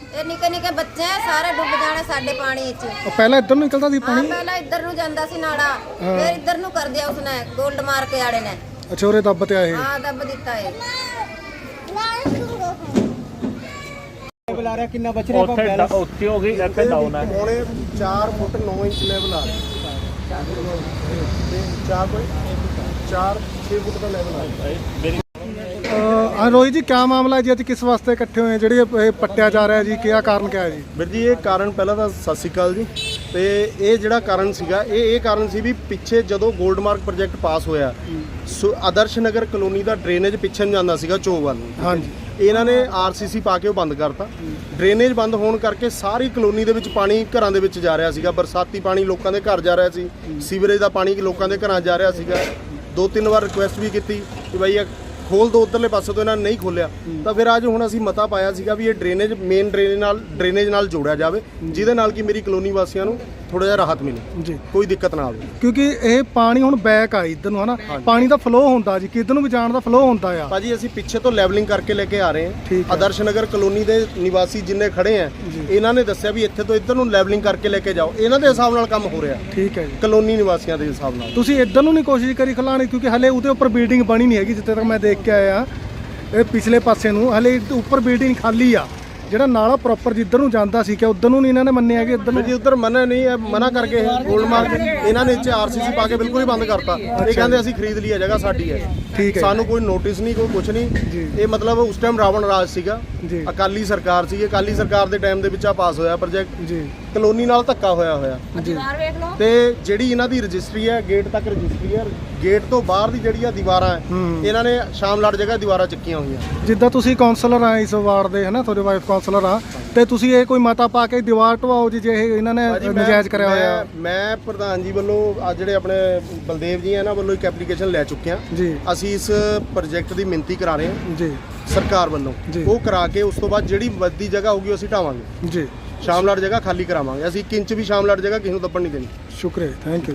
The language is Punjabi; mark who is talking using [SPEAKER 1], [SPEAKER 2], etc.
[SPEAKER 1] ਇਹ ਨਿੱਕੇ ਨਿੱਕੇ ਬੱਚੇ ਸਾਰੇ ਡੁੱਬ ਜਾਣੇ ਸਾਡੇ ਪਾਣੀ ਵਿੱਚ।
[SPEAKER 2] ਪਹਿਲਾਂ ਇੱਧਰ ਨੂੰ ਨਿਕਲਦਾ ਸੀ
[SPEAKER 1] ਹਾਂ
[SPEAKER 2] ਪਾਣੀ?
[SPEAKER 1] ਪਹਿਲਾਂ ਇੱਧਰ ਨੂੰ ਜਾਂਦਾ ਸੀ ਨਾੜਾ, ਫਿਰ ਇੱਧਰ ਨੂੰ ਕਰ ਦਿਆ ਉਸਨੇ ਗੋਲਡ ਮਾਰ ਕੇ ਆੜੇ ਨੇ।
[SPEAKER 2] ਅੱਛਾ ਉਰੇ ਦੱਬ ਤੇ ਆਏ।
[SPEAKER 1] ਹਾਂ ਦੱਬ ਦਿੱਤਾ ਹੈ।
[SPEAKER 3] ਲੈਵਲ ਆ ਰਿਹਾ ਕਿੰਨਾ ਬਚ ਰਿਹਾ?
[SPEAKER 4] ਉੱਥੇ ਹੋ ਗਈ ਇੱਕ ਡਾਊਨ ਹੈ।
[SPEAKER 5] ਪੌਣੇ 4 ਫੁੱਟ 9 ਇੰਚ ਲੈਵਲ ਆ ਰਿਹਾ। 4-6 ਫੁੱਟ ਦਾ ਲੈਵਲ ਆ ਰਿਹਾ।
[SPEAKER 2] ਰੋਹਿਤ ਜੀ ਕਿਆ ਮਾਮਲਾ ਹੈ ਜੀ, ਅੱਜ ਕਿਸ ਵਾਸਤੇ ਇਕੱਠੇ ਹੋਏ ਜਿਹੜੇ ਇਹ ਪੱਟਿਆ ਜਾ ਰਿਹਾ ਜੀ, ਕਿਆ ਕਾਰਨ ਕਿਆ ਹੈ ਜੀ?
[SPEAKER 5] ਵੀਰ ਜੀ ਇਹ ਕਾਰਨ ਪਹਿਲਾਂ ਤਾਂ ਸਤਿ ਸ਼੍ਰੀ ਅਕਾਲ ਜੀ। ਤੇ ਇਹ ਜਿਹੜਾ ਕਾਰਨ ਸੀਗਾ ਇਹ ਕਾਰਨ ਸੀ ਵੀ ਪਿੱਛੇ ਜਦੋਂ ਗੋਲਡਮਾਰਕ ਪ੍ਰੋਜੈਕਟ ਪਾਸ ਹੋਇਆ ਆਦਰਸ਼ ਨਗਰ ਕਲੋਨੀ ਦਾ ਡਰੇਨੇਜ ਪਿੱਛੇ ਨੂੰ ਜਾਂਦਾ ਸੀਗਾ ਚੋਅ ਵੱਲ ਨੂੰ।
[SPEAKER 2] ਹਾਂਜੀ।
[SPEAKER 5] ਇਹਨਾਂ ਨੇ ਆਰਸੀਸੀ ਪਾ ਕੇ ਉਹ ਬੰਦ ਕਰਤਾ। ਡਰੇਨੇਜ ਬੰਦ ਹੋਣ ਕਰਕੇ ਸਾਰੀ ਕਲੋਨੀ ਦੇ ਵਿੱਚ ਪਾਣੀ ਘਰਾਂ ਦੇ ਵਿੱਚ ਜਾ ਰਿਹਾ ਸੀਗਾ। ਬਰਸਾਤੀ ਪਾਣੀ ਲੋਕਾਂ ਦੇ ਘਰ ਜਾ ਰਿਹਾ ਸੀ, ਸੀਵਰੇਜ ਦਾ ਪਾਣੀ ਲੋਕਾਂ ਦੇ ਘਰਾਂ ਜਾ ਰਿਹਾ ਸੀਗਾ। 2-3 ਵਾਰ ਰਿਕੁਐਸਟ ਵੀ ਕੀਤੀ ਕਿ ਬਾਈ ਇਹ ਖੋਲ ਦੋ, ਉੱਧਰਲੇ ਪਾਸੇ ਤੋਂ ਇਹਨਾਂ ਨੇ ਨਹੀਂ ਖੋਲਿਆ। ਤਾਂ ਫਿਰ ਅੱਜ ਹੁਣ ਅਸੀਂ ਮਤਾ ਪਾਇਆ ਸੀਗਾ ਵੀ ਇਹ ਡਰੇਨੇਜ ਮੇਨ ਡਰੇਨੇਜ ਨਾਲ ਜੋੜਿਆ ਜਾਵੇ, ਜਿਹਦੇ ਨਾਲ ਕਿ ਮੇਰੀ ਕਲੋਨੀ ਵਾਸੀਆਂ ਨੂੰ ਥੋੜਾ ਜਿਹਾ ਰਾਹਤ ਮਿਲੇ ਜੀ, ਕੋਈ ਦਿੱਕਤ ਨਾ ਆਵੇ।
[SPEAKER 2] ਕਿਉਂਕਿ ਇਹ ਪਾਣੀ ਹੁਣ ਬੈਕ ਆ ਇੱਧਰ ਨੂੰ, ਹਨਾ ਪਾਣੀ ਦਾ ਫਲੋ ਹੁੰਦਾ ਜੀ, ਕਿੱਧਰ ਨੂੰ ਵੀ ਜਾਣ ਦਾ ਫਲੋ ਹੁੰਦਾ ਆ।
[SPEAKER 5] ਭਾਜੀ ਅਸੀਂ ਪਿੱਛੇ ਤੋਂ ਲੈਵਲਿੰਗ ਕਰਕੇ ਲੈ ਕੇ ਆ ਰਹੇ ਹਾਂ। ਆਦਰਸ਼ ਨਗਰ ਕਲੋਨੀ ਦੇ ਨਿਵਾਸੀ ਜਿੰਨੇ ਖੜੇ ਆ, ਇਹਨਾਂ ਨੇ ਦੱਸਿਆ ਵੀ ਇੱਥੇ ਤੋਂ ਇੱਧਰ ਨੂੰ ਲੈਵਲਿੰਗ ਕਰਕੇ ਲੈ ਕੇ ਜਾਓ। ਇਹਨਾਂ ਦੇ ਹਿਸਾਬ ਨਾਲ ਕੰਮ ਹੋ ਰਿਹਾ। ਠੀਕ ਹੈ ਜੀ, ਕਲੋਨੀ ਨਿਵਾਸੀਆਂ ਦੇ ਹਿਸਾਬ ਨਾਲ।
[SPEAKER 2] ਤੁਸੀਂ ਇੱਧਰ ਨੂੰ ਨਹੀਂ ਕੋਸ਼ਿਸ਼ ਕਰੀ ਖਲਾਣੀ? ਕਿਉਂਕਿ ਹਲੇ ਉਹਦੇ ਉੱਪਰ ਬਿਲਡਿੰਗ ਬਣੀ ਨਹੀਂ ਹੈਗੀ, ਜਿੱਥੇ ਤੱਕ ਮੈਂ ਦੇਖ ਕੇ ਆਇਆ। ਇਹ ਪਿਛਲੇ ਪਾਸੇ ਨੂੰ ਹਲੇ ਉੱਪਰ ਬਿਲਡਿੰਗ ਖਾਲੀ ਆ। ਜਿਹੜਾ ਨਾਲਾ ਪ੍ਰੋਪਰ ਜਿੱਧਰ ਨੂੰ ਜਾਂਦਾ ਸੀ ਕਿ ਉਧਰ ਨੂੰ ਨਹੀਂ ਇਹਨਾਂ ਨੇ ਮੰਨਿਆ ਕਿ ਇੱਧਰ ਨੂੰ
[SPEAKER 5] ਜੀ ਉੱਧਰ ਮਨਾ ਨਹੀਂ ਹੈ, ਮਨਾ ਕਰਕੇ ਗੋਲਡਮਾਰਕ ਇਹਨਾਂ ਨੇ ਇੱਥੇ ਆਰਸੀਸੀ ਪਾ ਕੇ ਬਿਲਕੁਲ ਹੀ ਬੰਦ ਕਰਤਾ। ਇਹ ਕਹਿੰਦੇ ਅਸੀਂ ਖਰੀਦ ਲਈ ਹੈ ਜਗ੍ਹਾ, ਸਾਡੀ ਹੈ।
[SPEAKER 2] ਠੀਕ ਹੈ,
[SPEAKER 5] ਸਾਨੂੰ ਕੋਈ ਨੋਟਿਸ ਨਹੀਂ, ਕੋਈ ਕੁਝ ਨਹੀਂ। ਇਹ ਮਤਲਬ ਉਸ ਟਾਈਮ ਰਾਵਣ ਰਾਜ ਸੀਗਾ, ਅਕਾਲੀ ਸਰਕਾਰ ਸੀ। ਅਕਾਲੀ ਸਰਕਾਰ ਦੇ ਟਾਈਮ ਦੇ ਵਿੱਚ ਆ ਪਾਸ ਹੋਇਆ ਪ੍ਰੋਜੈਕਟ ਜੀ। ਕਲੋਨੀ ਨਾਲ ਧੱਕਾ ਹੋਇਆ ਤੇ ਜਿਹੜੀ ਇਹਨਾਂ ਦੀ ਰਜਿਸਟਰੀ ਹੈ ਗੇਟ ਤੱਕ ਰਜਿਸਟਰੀ ਹੈ। ਗੇਟ ਤੋਂ ਬਾਹਰ ਦੀ ਜਿਹੜੀ ਆ ਦੀਵਾਰਾਂ ਹੈ, ਇਹਨਾਂ ਨੇ ਸ਼ਾਮਲਾਟ ਜਗ੍ਹਾ ਦੀਵਾਰਾਂ ਚੱਕੀਆਂ ਹੋਈਆਂ।
[SPEAKER 2] ਜਿੱਦਾਂ ਤੁਸੀਂ ਕਾਉਂਸਲਰ ਆ ਇਸ ਵਾਰਡ ਦੇ, ਹਨਾ ਤੁਹਾਡੇ ਵਾਈਫ ਕਾਉਂਸਲਰ ਆ, ਤੇ ਤੁਸੀਂ ਇਹ ਕੋਈ ਮਤਾ ਪਾ ਕੇ ਦੀਵਾਰ ਢਵਾਓ ਜੀ, ਜੇ ਇਹਨਾਂ ਨੇ ਨਜਾਇਜ਼ ਕਰਿਆ ਹੋਇਆ?
[SPEAKER 5] ਮੈਂ ਪ੍ਰਧਾਨ ਜੀ ਵੱਲੋਂ ਅੱਜ ਜਿਹੜੇ ਆਪਣੇ ਬਲਦੇਵ ਜੀ ਇਹਨਾਂ ਵੱਲੋਂ ਇੱਕ ਐਪਲੀਕੇਸ਼ਨ ਲੈ ਚੁੱਕੇ ਹਾਂ ਜੀ। ਅਸੀਂ ਇਸ ਪ੍ਰੋਜੈਕਟ ਦੀ ਮਿਣਤੀ ਕਰਾ ਰਹੇ ਹਾਂ ਜੀ ਸਰਕਾਰ ਵੱਲੋਂ। ਉਹ ਕਰਾ ਕੇ ਉਸ ਤੋਂ ਬਾਅਦ ਜਿਹੜੀ ਵੱਧਦੀ ਜਗ੍ਹਾ ਹੋਊਗੀ ਅਸੀਂ ਢਾਵਾਂਗੇ ਜੀ। ਸ਼ਾਮਲਾਟ ਜਗ੍ਹਾ ਖਾਲੀ ਕਰਾਵਾਂਗੇ ਅਸੀਂ। 1 ਇੰਚ ਵੀ ਸ਼ਾਮਲਾਟ ਜਗ੍ਹਾ ਕਿਸੇ ਨੂੰ ਦੱਬਣ ਨਹੀਂ ਦੇਣੀ।
[SPEAKER 2] ਸ਼ੁਕਰੀਆ, ਥੈਂਕ ਯੂ।